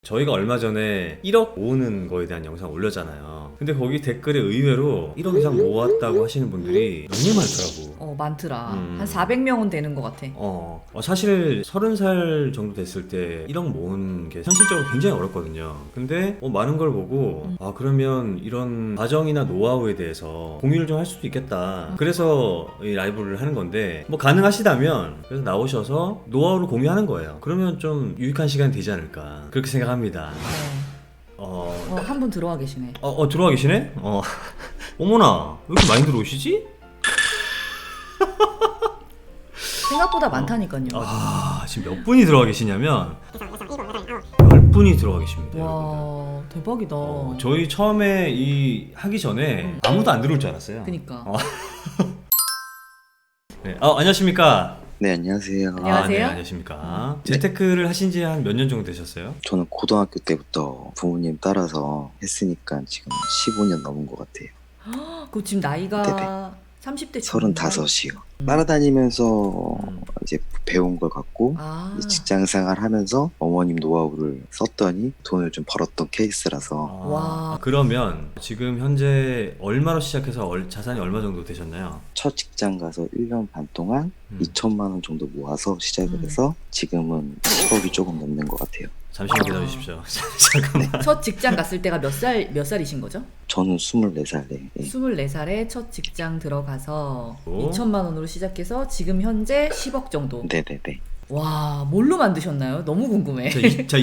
저희가 얼마 전에 1억 모으는 거에 대한 영상 올렸잖아요. 근데 거기 댓글에 의외로 1억 이상 모았다고 하시는 분들이 너무 많더라고. 많더라. 한 400명은 되는 것 같아. 사실 30살 정도 됐을 때 1억 모으는 게 현실적으로 굉장히 어렵거든요. 근데 많은 걸 보고 그러면 이런 과정이나 노하우에 대해서 공유를 좀 할 수도 있겠다. 그래서 이 라이브를 하는 건데 뭐 가능하시다면 그래서 나오셔서 노하우를 공유하는 거예요. 그러면 좀 유익한 시간이 되지 않을까 그렇게 생각합니다. 한 분 들어와 계시네. 들어와 계시네? 어머나 왜 이렇게 많이 들어오시지? 생각보다 많다니까요. 지금 몇 분이 들어와 계시냐면 10분이 들어와 계십니다. 와, 여러분들. 대박이다. 저희 처음에 이 하기 전에 아무도 안 들어올 줄 알았어요. 그니까. 네. 안녕하십니까? 네, 안녕하세요. 안녕하세요. 네, 안녕하십니까? 재테크를 하신 지 한 몇 년 정도 되셨어요? 저는 고등학교 때부터 부모님 따라서 했으니까 지금 15년 넘은 것 같아요. 그 지금 나이가 네네. 30대 35이요. 따라다니면서 이제 배운 걸 갖고 이제 직장 생활 하면서 어머님 노하우를 썼더니 돈을 좀 벌었던 케이스라서. 와. 그러면 지금 현재 얼마로 시작해서 자산이 얼마 정도 되셨나요? 첫 직장 가서 1년 반 동안 2천만 원 정도 모아서 시작을 해서 지금은 10억이 조금 넘는 것 같아요. 잠시만 기다려 주십시오. 잠깐만. 첫 직장 갔을 때가 몇 살이신 거죠? 저는 24살에. 24살에 첫 직장 들어가서 오. 2천만 원으로 시작해서 지금 현재 10억 정도. 네네네. 와, 뭘로 만드셨나요? 너무 궁금해. 자,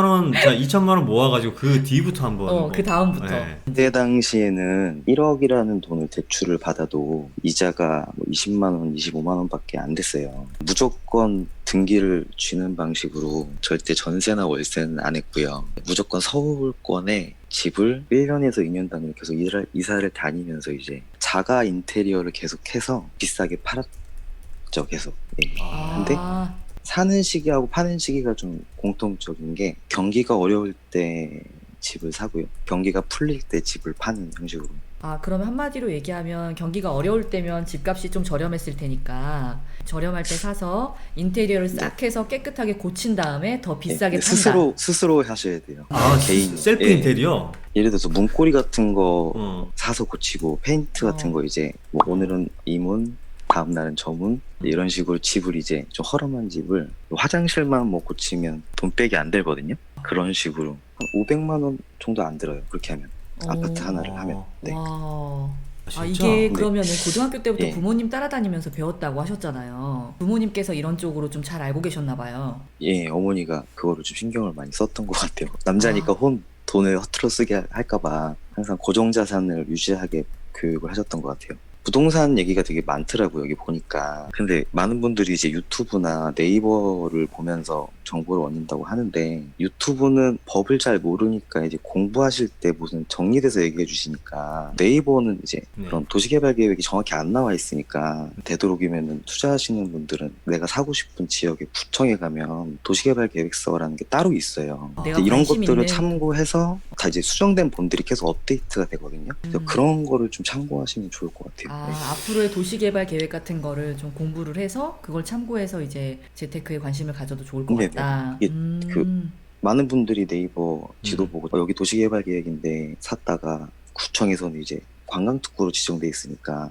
2천만 원 모아가지고 그 뒤부터 한번. 그 다음부터. 네. 그때 당시에는 1억이라는 돈을 대출을 받아도 이자가 20만 원, 25만 원밖에 안 됐어요. 무조건 등기를 쥐는 방식으로 절대 전세나 월세는 안 했고요. 무조건 서울권에 집을 1년에서 2년 단위로 계속 이사를 다니면서 이제 자가 인테리어를 계속해서 비싸게 팔았죠, 계속. 예. 근데 사는 시기하고 파는 시기가 좀 공통적인 게 경기가 어려울 때 집을 사고요. 경기가 풀릴 때 집을 파는 형식으로. 그러면 한마디로 얘기하면 경기가 어려울 때면 집값이 좀 저렴했을 테니까 저렴할 때 사서 인테리어를 싹 해서 깨끗하게 고친 다음에 더 비싸게 판다. 스스로 하셔야 돼요. 개인 셀프 인테리어? 예를 들어서 문고리 같은 거 사서 고치고 페인트 같은 거 이제 뭐 오늘은 이 문, 다음 날은 저 문 이런 식으로 집을 이제 좀 허름한 집을 화장실만 뭐 고치면 돈 빼기 안 들거든요. 그런 식으로 한 500만 원 정도 안 들어요. 그렇게 하면 아파트 하나를 하면. 네. 와. 진짜? 이게 그러면은 고등학교 때부터 예. 부모님 따라다니면서 배웠다고 하셨잖아요. 부모님께서 이런 쪽으로 좀 잘 알고 계셨나 봐요. 예, 어머니가 그거를 좀 신경을 많이 썼던 것 같아요. 남자니까 돈을 허투루 쓰게 할까봐 항상 고정자산을 유지하게 교육을 하셨던 것 같아요. 부동산 얘기가 되게 많더라고요, 여기 보니까. 근데 많은 분들이 이제 유튜브나 네이버를 보면서 정보를 얻는다고 하는데, 유튜브는 법을 잘 모르니까 이제 공부하실 때 무슨 정리돼서 얘기해 주시니까, 네이버는 이제 그런 도시개발 계획이 정확히 안 나와 있으니까, 되도록이면은 투자하시는 분들은 내가 사고 싶은 지역의 구청에 가면 도시개발 계획서라는 게 따로 있어요. 이런 것들을 참고해서 다 이제 수정된 본들이 계속 업데이트가 되거든요. 그래서 그런 거를 좀 참고하시면 좋을 것 같아요. 앞으로의 도시개발 계획 같은 거를 좀 공부를 해서 그걸 참고해서 이제 재테크에 관심을 가져도 좋을 것 같다. 이게 많은 분들이 네이버 지도 보고 여기 도시개발 계획인데 샀다가 구청에서는 이제 관광특구로 지정돼 있으니까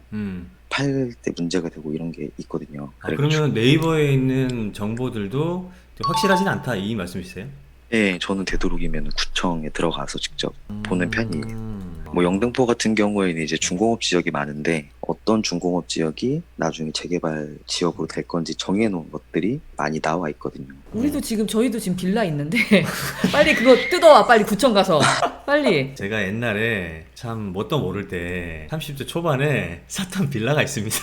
팔 때 문제가 되고 이런 게 있거든요. 그러면 네이버에 있는 정보들도 확실하진 않다 이 말씀이세요? 네, 저는 되도록이면 구청에 들어가서 직접 보는 편이에요. 뭐 영등포 같은 경우에는 이제 중공업 지역이 많은데 어떤 중공업 지역이 나중에 재개발 지역으로 될 건지 정해놓은 것들이 많이 나와 있거든요. 저희도 지금 빌라 있는데 빨리 그거 뜯어와, 빨리 구청 가서 빨리. 제가 옛날에 참 뭣도 모를 때 30대 초반에 샀던 빌라가 있습니다.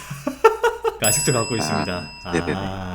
아직도 갖고 있습니다. 네네네.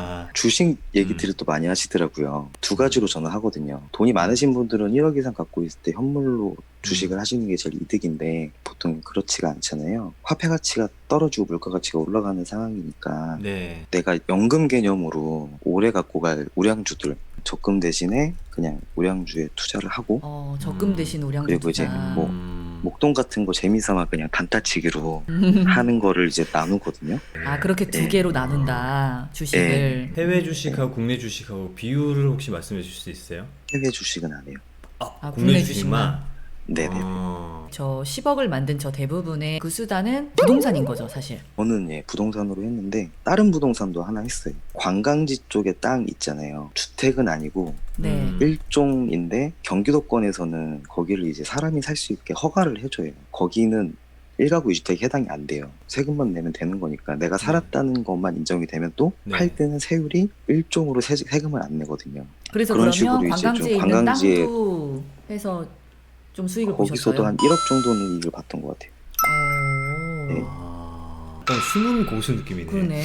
주식 얘기들을 또 많이 하시더라고요. 두 가지로 저는 하거든요. 돈이 많으신 분들은 1억 이상 갖고 있을 때 현물로 주식을 하시는 게 제일 이득인데 보통 그렇지가 않잖아요. 화폐 가치가 떨어지고 물가 가치가 올라가는 상황이니까 내가 연금 개념으로 오래 갖고 갈 우량주들 적금 대신에 그냥 우량주에 투자를 하고 적금 대신 우량주 그리고 투자. 이제 뭐 목돈 같은 거 재미삼아 그냥 단타치기로 하는 거를 이제 나누거든요. 그렇게 두 개로 나눈다, 주식을. 해외 주식하고 국내 주식하고 비율을 혹시 말씀해 주실 수 있어요? 해외 주식은 안 해요. 국내 주식만. 네네. 저 10억을 만든 저 대부분의 그 수단은 부동산인 거죠, 사실. 저는 부동산으로 했는데 다른 부동산도 하나 했어요. 관광지 쪽에 땅 있잖아요. 주택은 아니고 네. 일종인데 경기도권에서는 거기를 이제 사람이 살 수 있게 허가를 해줘요. 거기는 1가구 2주택이 해당이 안 돼요. 세금만 내면 되는 거니까 내가 살았다는 것만 인정이 되면 또 팔 네. 때는 세율이 일종으로 세금을 안 내거든요. 그래서 그런 그러면 식으로 이제 관광지에 좀 있는 관광지에 땅도 해서 좀 수익을 거기서도 보셨어요? 한 1억 정도는 이익을 봤던 것 같아요. 네. 약간 숨은 고수 느낌이네. 그러네.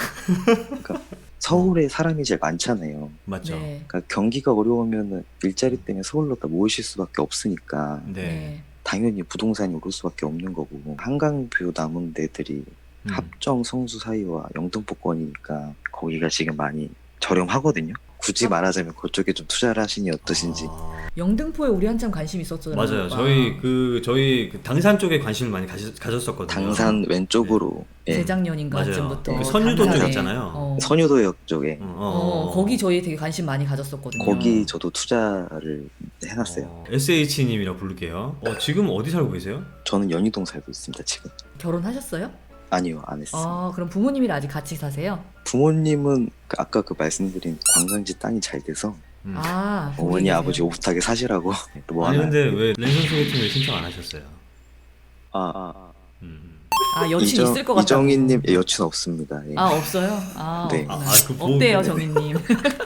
서울에 사람이 제일 많잖아요. 맞죠? 네. 그러니까 경기가 어려우면 일자리 때문에 서울로 다 모이실 수밖에 없으니까 네. 네. 당연히 부동산이 오를 수밖에 없는 거고 한강뷰 남은 데들이 합정 성수 사이와 영등포권이니까 거기가 지금 많이 저렴하거든요. 굳이 말하자면 그쪽에 좀 투자를 하시니 어떠신지. 영등포에 우리 한참 관심 있었잖아요. 맞아요. 오빠. 저희 그 당산 쪽에 관심을 많이 가졌었거든요. 당산 왼쪽으로 재작년인가쯤부터 맞아요. 그 선유도 당산에, 쪽이었잖아요. 선유도역 쪽에 거기 저희 되게 관심 많이 가졌었거든요. 거기 저도 투자를 해놨어요. SH님이라고 부를게요. 지금 어디 살고 계세요? 저는 연희동 살고 있습니다 지금. 결혼하셨어요? 아니요, 안 했어요. 그럼 부모님이랑 아직 같이 사세요? 부모님은 아까 말씀드린 관광지 땅이 잘 돼서 거기 어머니 계세요. 아버지 오붓하게 사시라고 또 뭐 아니 하나. 근데 왜 랜선 소개팅을 신청 안 하셨어요? 여친 있을 것 같아요. 이정희님 여친 없습니다. 예. 없어요? 네. 어때요, 정희님?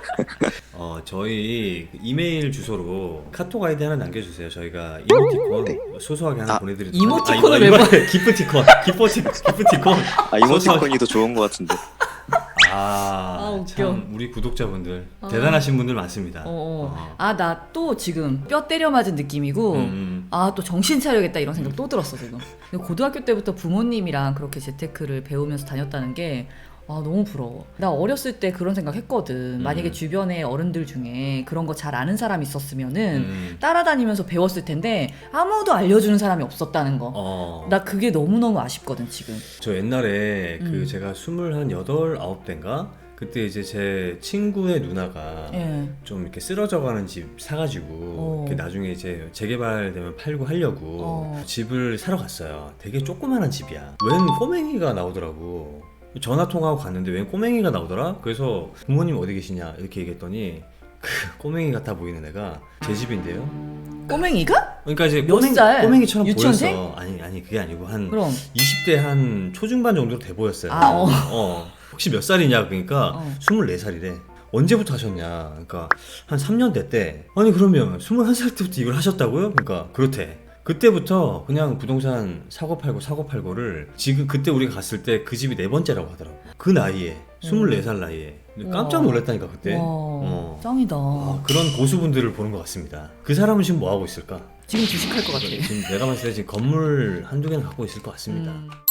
저희 그 이메일 주소로 카톡 아이디 하나 남겨주세요. 저희가 이모티콘 네. 소소하게 하나 보내드릴 이모티콘을 왜 기프티콘. 이모티콘이 더 좋은 것 같은데. 웃겨. 참 우리 구독자분들 대단하신 분들 많습니다. 나 또 지금 뼈 때려 맞은 느낌이고 또 정신 차려야겠다 이런 생각 또 들었어 지금. 고등학교 때부터 부모님이랑 그렇게 재테크를 배우면서 다녔다는 게 너무 부러워. 나 어렸을 때 그런 생각 했거든. 만약에 주변에 어른들 중에 그런 거 잘 아는 사람 있었으면은 따라다니면서 배웠을 텐데 아무도 알려주는 사람이 없었다는 거. 나 그게 너무너무 아쉽거든 지금. 저 옛날에 제가 28, 9대인가? 그때 이제 제 친구의 누나가 좀 이렇게 쓰러져가는 집 사가지고 이렇게 나중에 이제 재개발되면 팔고 하려고 집을 사러 갔어요. 되게 조그만한 집이야. 웬 꼬맹이가 나오더라고. 전화 통화하고 갔는데 웬 꼬맹이가 나오더라? 그래서 부모님 어디 계시냐 이렇게 얘기했더니 그 꼬맹이 같아 보이는 애가 제 집인데요. 꼬맹이가? 그러니까 이제 몇 살? 꼬맹이처럼 유치원생? 보였어. 아니 그게 아니고 한 그럼 20대 한 초중반 정도로 돼 보였어요. 혹시 몇 살이냐 그러니까 24살이래. 언제부터 하셨냐? 그러니까 한 3년 됐대. 아니 그러면 21살 때부터 이걸 하셨다고요? 그러니까 그렇대. 그때부터 그냥 부동산 사고 팔고를 지금 그때 우리가 갔을 때 그 집이 4번째라고 하더라고. 그 나이에 24살 나이에 깜짝 놀랐다니까 그때. 짱이다. 그런 고수분들을 보는 것 같습니다. 그 사람은 지금 뭐 하고 있을까? 지금 주식할 것 같아. 지금 내가 봤을 때 지금 건물 한두 개는 갖고 있을 것 같습니다.